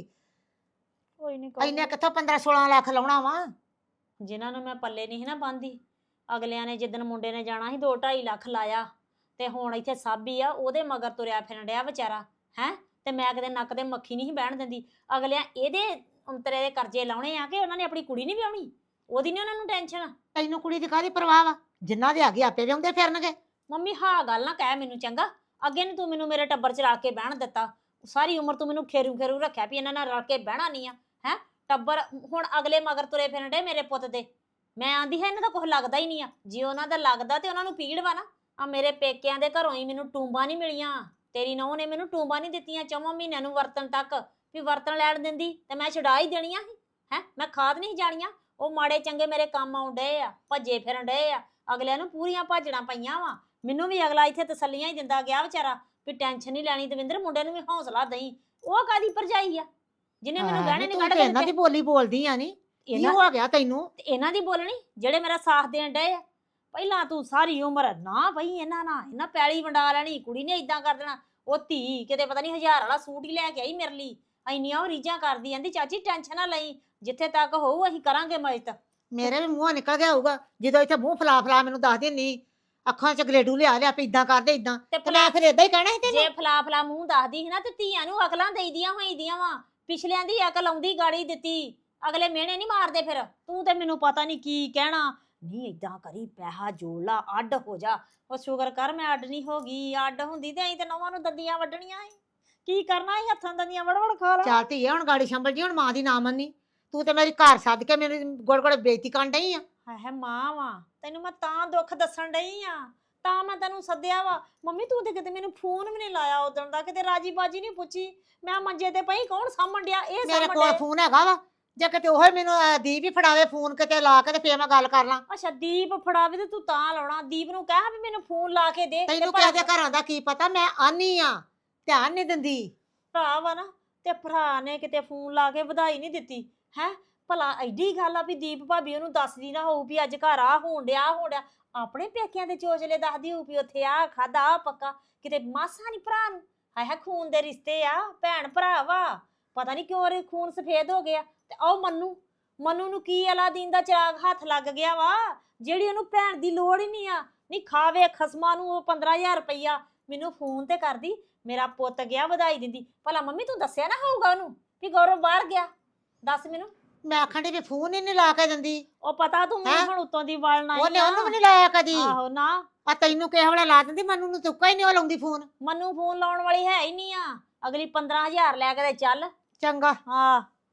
S3: ਕੋਈ ਨਹੀਂ,
S5: ਇੰਨੇ ਕਿੱਥੋਂ 15-16 ਲੱਖ ਲਾਉਣਾ ਵਾ।
S3: ਜਿਨ੍ਹਾਂ ਨੂੰ ਮੈਂ ਪੱਲੇ ਨਹੀਂ ਸੀ ਨਾ ਬੰਦੀ, ਅਗਲਿਆਂ ਨੇ ਜਿੱਦਣ ਮੁੰਡੇ ਨੇ ਜਾਣਾ ਸੀ 2-2.5 ਲੱਖ ਲਾਇਆ, ਤੇ ਹੁਣ ਇੱਥੇ ਸਾਬੀ ਆ ਉਹਦੇ ਮਗਰ ਤੁਰਿਆ ਫਿਰਨ ਡਿਆ ਵਿਚਾਰਾ ਹੈ। ਤੇ ਮੈਂ ਕਿਤੇ ਨੱਕ ਤੇ ਮੱਖੀ ਨਹੀਂ ਸੀ ਬਹਿਣ ਦਿੰਦੀ। ਅਗਲਿਆਂ ਇਹਦੇ ਅੰਤਰੇ ਦੇ ਕਰਜ਼ੇ ਲਾਉਣੇ ਆ ਕਿ ਉਹਨਾਂ ਨੇ ਆਪਣੀ ਕੁੜੀ ਨਹੀਂ ਵਿਆਹਣੀ, ਉਹਦੀ ਨਹੀਂ ਉਹਨਾਂ ਨੂੰ ਟੈਨਸ਼ਨ।
S5: ਤੈਨੂੰ ਕੁੜੀ ਦੀ ਕਾਹਦੀ ਪਰਵਾਹ ਵਾ, ਜਿੰਨਾ ਦੇ ਆਗੇ ਆਪੇ ਵਿਆਉਂਦੇ ਫਿਰਨਗੇ।
S3: ਮੰਮੀ ਹਾਂ ਗੱਲ ਨਾ ਕਹਿ ਮੈਨੂੰ ਚੰਗਾ, ਅੱਗੇ ਨੇ ਤੂੰ ਮੈਨੂੰ ਮੇਰੇ ਟੱਬਰ 'ਚ ਰਲ ਕੇ ਬਹਿਣ ਦਿੱਤਾ, ਸਾਰੀ ਉਮਰ ਤੂੰ ਮੈਨੂੰ ਖੇਰੂ ਰੱਖਿਆ ਵੀ ਇਹਨਾਂ ਨਾਲ ਰਲ ਕੇ ਬਹਿਣਾ ਨਹੀਂ ਆ ਹੈ। ਟੱਬਰ ਹੁਣ ਅਗਲੇ ਮਗਰ ਤੁਰੇ ਫਿਰਨ ਡੇ ਮੇਰੇ ਪੁੱਤ ਦੇ। ਮੈਂ ਆਂਦੀ ਹੈ ਇਹਨਾਂ ਦਾ ਕੁਝ ਲੱਗਦਾ ਹੀ ਨਹੀਂ ਆ, ਜੇ ਉਹਨਾਂ ਦਾ ਲੱਗਦਾ ਤੇ ਉਹਨਾਂ ਨੂੰ ਪੀੜ ਵਾ ਨਾ। ਆ ਮੇਰੇ ਪੇਕਿਆਂ ਦੇ ਘਰੋਂ ਹੀ ਮੈਨੂੰ ਟੂੰਬਾਂ ਨਹੀਂ ਮਿਲੀਆਂ, ਤੇਰੀ ਨੂੰਹ ਨੇ ਮੈਨੂੰ ਟੂੰਬਾਂ ਨਹੀਂ ਦਿੱਤੀਆਂ 4 ਮਹੀਨਿਆਂ ਨੂੰ ਵਰਤਣ ਤੱਕ, ਵੀ ਵਰਤਣ ਲੈਣ ਦਿੰਦੀ ਤੇ ਮੈਂ ਛਡਾ ਹੀ ਦੇਣੀਆਂ ਸੀ ਹੈ। ਮੈਂ ਖਾਦ ਨਹੀਂ ਜਾਣੀਆਂ, ਉਹ ਮਾੜੇ ਚੰਗੇ ਮੇਰੇ ਕੰਮ ਆਉਣ ਡਏ ਆ, ਭੱਜੇ ਫਿਰਨ ਡਏ ਆ। ਅਗਲਿਆਂ ਨੂੰ ਪੂਰੀਆਂ ਭਾਜੜਾਂ ਪਈਆਂ ਵਾ, ਮੈਨੂੰ ਵੀ ਅਗਲਾ ਇੱਥੇ ਤਸੱਲੀਆਂ ਹੀ ਦਿੰਦਾ ਗਿਆ ਵਿਚਾਰਾ ਵੀ ਟੈਨਸ਼ਨ ਨਹੀਂ ਲੈਣੀ ਦਵਿੰਦਰ, ਮੁੰਡੇ ਨੂੰ ਵੀ ਹੌਸਲਾ ਦੇਈ। ਉਹ ਕਾਦੀ ਭਰਜਾਈ ਆ ਜਿਹਨੇ ਮੈਨੂੰ ਗਹਿਣੇ ਨਹੀਂ
S5: ਤੂੰ
S3: ਕੱਢ
S5: ਤੇ ਇਹਨਾਂ ਦੀ
S3: ਦਿੱਤੇ?
S5: ਬੋਲੀ ਬੋਲਦੀ ਆ ਨੀ, ਕੀ
S3: ਇਹਨਾਂ
S5: ਹੋ ਗਿਆ ਤੈਨੂੰ?
S3: ਤੇ ਇਹਨਾਂ ਦੀ ਬੋਲਣੀ ਜਿਹੜੇ ਮੇਰਾ ਸਾਥ ਦੇਣ ਡਏ ਆ। ਪਹਿਲਾਂ ਤੂੰ ਸਾਰੀ ਉਮਰ ਨਾ ਬਈ ਇਹਨਾਂ ਪੈਲੀ ਵੰਡਾ ਲੈਣੀ, ਕੁੜੀ ਨੇ ਇਦਾਂ ਕਰ ਦੇਣਾ। ਉਹ ਧੀ ਕਿਤੇ ਪਤਾ ਨਹੀਂ 1000 ਵਾਲਾ ਸੂਟ ਹੀ ਲੈ ਕੇ ਆਈ ਮੇਰੇ ਲਈ, ਇੰਨੀਆਂ ਉਹ ਰੀਝਾਂ ਕਰਦੀ। ਕਹਿੰਦੀ ਚਾਚੀ ਟੈਨਸ਼ਨ ਨਾ ਲਈ, ਜਿੱਥੇ ਤੱਕ ਹੋਊ ਅਸੀਂ ਕਰਾਂਗੇ ਮਦਦ।
S5: ਮੇਰੇ ਵੀ ਮੂੰਹੋਂ ਨਿਕਲ ਗਿਆ ਹੋਊਗਾ ਜਦੋਂ ਇੱਥੇ ਮੂੰਹ ਫਲਾ ਮੈਨੂੰ ਦੱਸ ਦਿੰਨੀ, ਅੱਖਾਂ 'ਚ ਗਲੇਡੂ ਲਿਆ ਵੀ ਇਦਾਂ ਕਰਦੇ ਇਦਾਂ, ਤੇ ਮੈਂ ਫਿਰ ਇਦਾਂ ਹੀ ਕਹਿਣਾ ਸੀ ਤੈਨੂੰ।
S3: ਜੇ ਫਲਾ ਮੂੰਹ ਦੱਸਦੀ ਸੀ ਨਾ ਤੇ ਧੀਆਂ ਨੂੰ ਅਕਲਾਂ ਦੇਈਦੀਆਂ ਹੋਈਆਂ ਵਾ, ਪਿਛਲਿਆਂ ਦੀ ਅਕਲ ਆਉਂਦੀ ਗਾੜੀ ਦਿੱਤੀ, ਅਗਲੇ ਮਿਹਣੇ ਨਹੀਂ ਮਾਰਦੇ। ਫਿਰ ਤੂੰ ਤੇ ਮੈਨੂੰ ਪਤਾ ਨਹੀਂ ਕੀ ਕਹਿਣਾ, ਨਹੀਂ ਇਦਾਂ ਕਰੀ ਪੈਸਾ ਜੋੜ ਲਾ, ਅੱਡ ਹੋ ਜਾ। ਉਹ ਸ਼ੁਕਰ ਕਰ ਮੈਂ ਅੱਡ ਨਹੀਂ ਹੋ ਗਈ, ਅੱਡ ਹੁੰਦੀ ਤੇ ਅਸੀਂ ਤੇ ਨੌਵਾਂ ਨੂੰ ਦੰਦੀਆਂ ਵੱਢਣੀਆਂ ਸੀ। ਕੀ ਕਰਨਾ ਸੀ, ਹੱਥਾਂ ਦੰਦੀਆਂ ਵੜ ਖਾ ਲਾ।
S5: ਚੱਲ ਧੀਏ ਹੁਣ ਗਾੜੀ ਸੰਭਲ ਜੀ, ਹੁਣ ਮਾਂ ਦੀ ਨਾ ਮੰਨੀ। ਤੂੰ ਤੇ ਮੇਰੀ ਘਰ ਸੱਦ ਕੇ ਮੈਨੂੰ ਗੋੜ ਬੇਇੱਜ਼ਤੀ ਕਰਨ ਡਈ ਆ।
S3: ਹੈ ਮਾਂ ਵਾ, ਤੈਨੂੰ ਮੈਂ ਤਾਂ ਦੁੱਖ ਦੱਸਣ ਡਈ ਆ, ਤਾਂ ਮੈਂ ਤੈਨੂੰ ਸੱਦਿਆ ਵਾ। ਮੰਮੀ ਤੂੰ ਤੇ ਕਿਤੇ ਮੈਨੂੰ ਫੋਨ ਵੀ ਨਹੀਂ ਲਾਇਆ ਉਦੋਂ ਦਾ, ਕਿਤੇ ਰਾਜੀ ਬਾਜੀ ਨਹੀਂ ਪੁੱਛੀ। ਮੈਂ ਮੰਜੇ ਤੇ ਪਈ, ਕੌਣ ਸਾਂਭਣ ਡਿਆ? ਇਹ
S5: ਮੇਰੇ
S3: ਸਾਂਭਣ
S5: ਕੋਲ
S3: ਡਿਆ।
S5: ਫੋਨ ਹੈਗਾ ਵਾ, ਜੇ ਕਿਤੇ ਉਹ ਮੈਨੂੰ ਦੀਪ ਹੀ ਫੜਾਵੇ ਫੋਨ ਕਿਤੇ ਲਾ ਕੇ ਤੇ ਫੇਰ ਮੈਂ ਗੱਲ ਕਰ ਲਾਂ।
S3: ਅੱਛਾ ਦੀਪ ਫੜਾਵੇ ਤੇ ਤੂੰ ਤਾਂ ਲਾਉਣਾ? ਦੀਪ ਨੂੰ ਕਹਿ ਵੀ ਮੈਨੂੰ ਫੋਨ ਲਾ ਕੇ ਦੇ।
S5: ਤੈਨੂੰ ਕਿਸੇ ਦੇ ਘਰਾਂ ਦਾ ਕੀ ਪਤਾ, ਮੈਂ ਆਨੀ ਆ, ਧਿਆਨ ਨਹੀਂ ਦਿੰਦੀ।
S3: ਭਰਾ ਵਾ ਨਾ, ਤੇ ਭਰਾ ਨੇ ਕਿਤੇ ਫੋਨ ਲਾ ਕੇ ਵਧਾਈ ਨਹੀਂ ਦਿੱਤੀ ਹੈ। ਭਲਾ ਐਡੀ ਗੱਲ ਆ ਵੀ ਦੀਪ ਭਾਬੀ ਉਹਨੂੰ ਦੱਸਦੀ ਨਾ ਹੋਊ ਵੀ ਅੱਜ ਘਰ ਆ ਹੋਣ ਡਿਆ ਆਪਣੇ ਪੇਕਿਆਂ ਦੇ ਚੋਚਲੇ ਦੱਸਦੀ ਹੋਊ ਵੀ ਉੱਥੇ ਆ ਖਾਦਾ ਆ ਪੱਕਾ। ਕਿਤੇ ਮਾਸਾ ਨਹੀਂ ਭਰਾ ਨੂੰ, ਹਾਏ ਖੂਨ ਦੇ ਰਿਸ਼ਤੇ ਆ, ਭੈਣ ਭਰਾ ਵਾ, ਪਤਾ ਨਹੀਂ ਕਿਉਂ ਇਹ ਖੂਨ ਸਫੇਦ ਹੋ ਗਿਆ। ਤੇ ਉਹ ਮਨੂੰ ਨੂੰ ਕੀ ਅਲਾਦੀਨ ਦਾ ਚਿਰਾਗ ਹੱਥ ਲੱਗ ਗਿਆ ਵਾ, ਜਿਹੜੀ ਉਹਨੂੰ ਭੈਣ ਦੀ ਲੋੜ ਹੀ ਨਹੀਂ ਆ। ਨਹੀਂ ਖਾਵੇ ਖਸਮਾਂ ਨੂੰ ਉਹ 15000 ਰੁਪਈਆ ਮੈਨੂੰ ਫੋਨ ਤੇ ਕਰਦੀ, ਮੇਰਾ ਪੁੱਤ ਗਿਆ ਵਧਾਈ ਦਿੰਦੀ। ਭਲਾ ਮੰਮੀ ਤੂੰ ਦੱਸਿਆ ਨਾ ਹੋਊਗਾ ਉਹਨੂੰ ਵੀ ਗੌਰਵ ਬਾਹਰ ਗਿਆ? ਦੱਸ ਮੈਨੂੰ।
S5: ਮੈਂ ਆਖਣ ਡਈ ਵੀ ਫੋਨ ਹੀ ਨਹੀਂ ਲਾ ਕੇ ਦਿੰਦੀ।
S3: ਉਹ ਪਤਾ ਤੂੰ ਮੈਨੂੰ ਹੁਣ ਉੱਤੋਂ ਦੀ ਵਲ ਨਾ
S5: ਉਹਨੇ ਉਹਨੂੰ ਵੀ ਨਹੀਂ ਲਾਇਆ ਕਦੀ।
S3: ਆਹੋ ਨਾ,
S5: ਆ ਤੈਨੂੰ ਕਿਸੇ ਵੇਲੇ ਲਾ ਦਿੰਦੀ, ਮੈਨੂੰ ਨੂੰ ਤੁੱਕਾ ਹੀ ਨਹੀਂ ਉਹ ਲਾਉਂਦੀ ਫੋਨ।
S3: ਮਨੂੰ ਫੋਨ ਲਾਉਣ ਵਾਲੀ ਹੈ ਹੀ ਨਹੀਂ ਆ। ਅਗਲੀ 15000 ਲੈ ਕੇ ਤੇ ਚੱਲ।
S5: ਚੰਗਾ
S3: ਹਾਂ